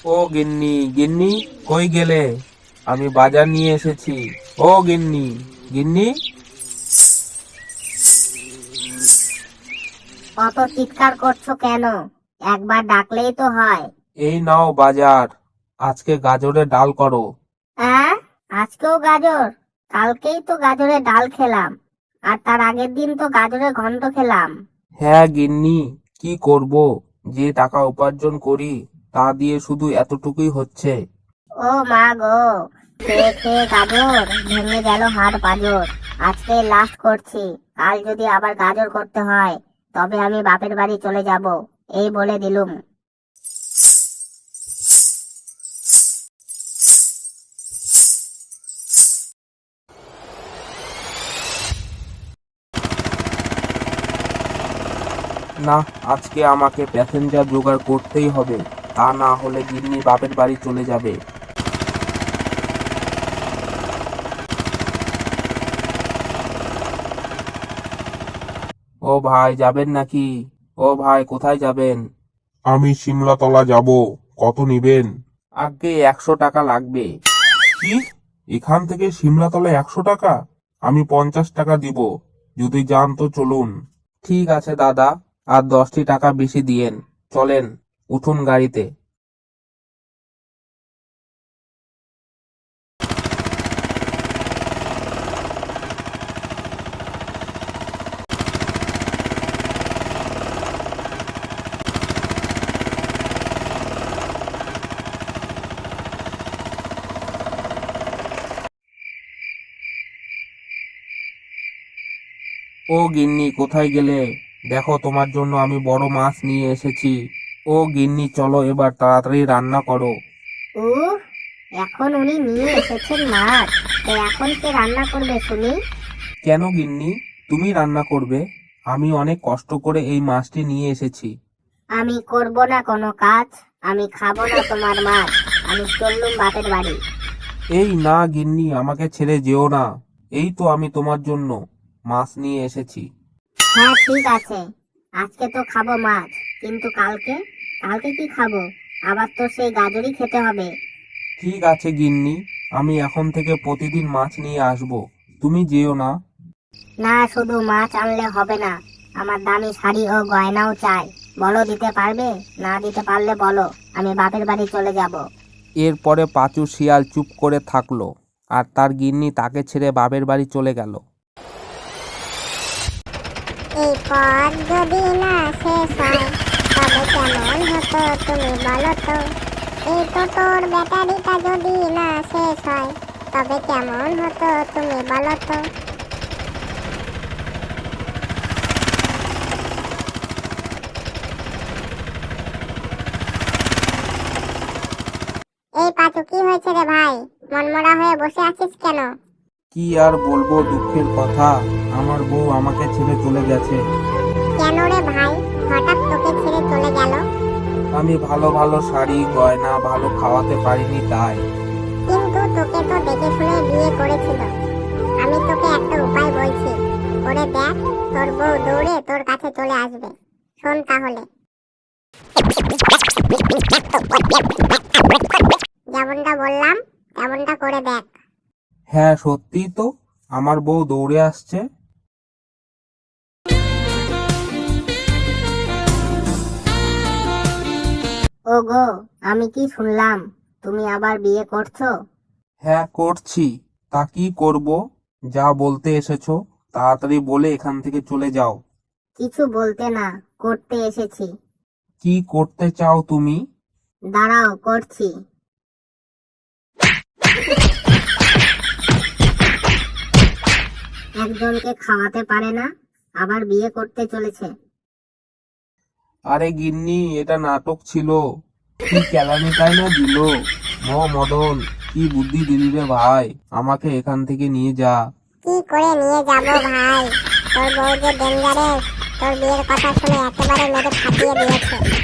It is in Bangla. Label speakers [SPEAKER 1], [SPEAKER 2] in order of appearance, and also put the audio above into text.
[SPEAKER 1] ও গিন্নি, গিন্নি কই গেলে? আমি বাজার নিয়ে এসেছি। ও গিন্নি, গিন্নি।
[SPEAKER 2] অত চিৎকার করছো কেন? একবার ডাকলেই তো হয়।
[SPEAKER 1] এই নাও বাজার। আজকে গাজরের ডাল করো।
[SPEAKER 2] হ্যাঁ, আজকেও গাজর? কালকেই তো গাজরের ডাল খেলাম, আর তার আগের দিন তো গাজরের ঘন্ট খেলাম।
[SPEAKER 1] হ্যাঁ গিন্নি, কি করব, যে টাকা উপার্জন করি তা দিয়ে শুধু এতটুকুই হচ্ছে।
[SPEAKER 2] ও মা গো, খেয়ে খেয়ে গাজর ভেঙে গেল হাড় পাঁজর। আজকে লাস্ট করছি, কাল যদি আবার গাজর করতে হয় তবে আমি বাপের বাড়ি চলে যাব, এই বলে দিলুম।
[SPEAKER 1] না, আজকে আমাকে প্যাসেঞ্জার জোগাড় করতেই হবে, তা না হলে গিন্নি বাপের বাড়ি চলে যাবে। ও ভাই, যাবেন নাকি? ও ভাই, কোথায় যাবেন?
[SPEAKER 3] আমি সিমলাতলা যাব, কত নিবেন?
[SPEAKER 1] আগে 100 টাকা লাগবে।
[SPEAKER 3] কি, এখান থেকে সিমলাতলা 100 টাকা? আমি 50 টাকা দিব, যদি যান তো চলুন।
[SPEAKER 1] ঠিক আছে দাদা, আর 10টি টাকা বেশি দিয়েন। চলেন, উঠুন গাড়িতে। ও গিন্নি, কোথায় গেলে? দেখো, তোমার জন্য আমি বড় মাছ নিয়ে এসেছি। ও গিন্নি, চলো এবার তাড়াতাড়ি রান্না করো।
[SPEAKER 2] উহ, এখন উনি নিয়ে এসেছেন মাছ, তো এখন কে রান্না করবে শুনি?
[SPEAKER 1] কেন গিন্নি, তুমি রান্না করবে? আমি অনেক কষ্ট করে এই মাছটি নিয়ে এসেছি।
[SPEAKER 2] আমি করব না কোনো কাজ, আমি খাবো না তোমার মাছ, আমি চললুম বাপের বাড়ি।
[SPEAKER 1] এই না গিন্নি, আমাকে ছেড়ে যেও না। এই তো আমি তোমার জন্য মাছ নিয়ে এসেছি।
[SPEAKER 2] হ্যাঁ ঠিক আছে, আজকে তো খাবো মাছ, কিন্তু কালকে? কালকে কি খাবো? আবার তো সেই গাজরই খেতে হবে।
[SPEAKER 1] ঠিক আছে গিন্নি, আমি এখন থেকে প্রতিদিন মাছ নিয়ে আসবো, তুমি যেও না।
[SPEAKER 2] না, শুধু মাছ আনলে হবে না, আমার দামি শাড়ি ও গয়নাও চাই। বলো দিতে পারবে? না দিতে পারলে বলো, আমি বাপের বাড়ি চলে যাব।
[SPEAKER 1] এরপরে পাঁচু শিয়াল চুপ করে থাকলো, আর তার গিন্নি তাকে ছেড়ে বাপের বাড়ি চলে গেল।
[SPEAKER 2] এই পথ যদি না শেষ হয় তবে কেমন হতো তুমি বলো তো? এই টোটোর ব্যাটারিটা যদি না শেষ হয় তবে কেমন হতো তুমি বলো তো? এই পাঁচু, কি হয়েছে রে ভাই? মনমরা হয়ে বসে আছিস কেন?
[SPEAKER 1] কি আর বলবো, দুঃখের কথা, আমার বউ আমাকে ছেড়ে চলে গেছে।
[SPEAKER 2] কেন রে ভাই, হঠাৎ তোকে ছেড়ে চলে গেল?
[SPEAKER 1] আমি ভালো ভালো শাড়ি গয়না ভালো খাওয়াতে পারিনি তাই।
[SPEAKER 2] কিন্তু তোকে তো দেখে শুনে বিয়ে করেছিল। আমি তোকে একটা উপায় বলছি, করে দেখ, তোর বউ দৌড়ে তোর কাছে চলে আসবে। শোন তাহলে। যেমনটা বললাম তেমনটা করে দেখ।
[SPEAKER 1] হ্যাঁ সত্যি তো, আমার বউ দৌড়ে আসছে।
[SPEAKER 2] ওগো, আমি কি শুনলাম তুমি আবার বিয়ে করছো?
[SPEAKER 1] হ্যাঁ করছি, তা কি করব? যা বলতে এসেছো তাড়াতাড়ি বলে এখান থেকে চলে যাও।
[SPEAKER 2] কিছু বলতে না, করতে এসেছি।
[SPEAKER 1] কি করতে চাও তুমি?
[SPEAKER 2] দাঁড়াও, করছি। একজনকে খাওয়াতে পারে না, আবার বিয়ে করতে চলেছে।
[SPEAKER 1] আরে গিন্নি, এটা নাটক ছিল। কি কেলানিটাই না দিল। মদন, কি বুদ্ধি দিলি রে ভাই, আমাকে এখান থেকে নিয়ে যা।
[SPEAKER 2] কি করে নিয়ে যাব ভাই? তোর বউ যে ডেঞ্জারাস, তোর বিয়ের কথা শুনে একেবারে মেরে ফাটিয়ে দিয়েছে।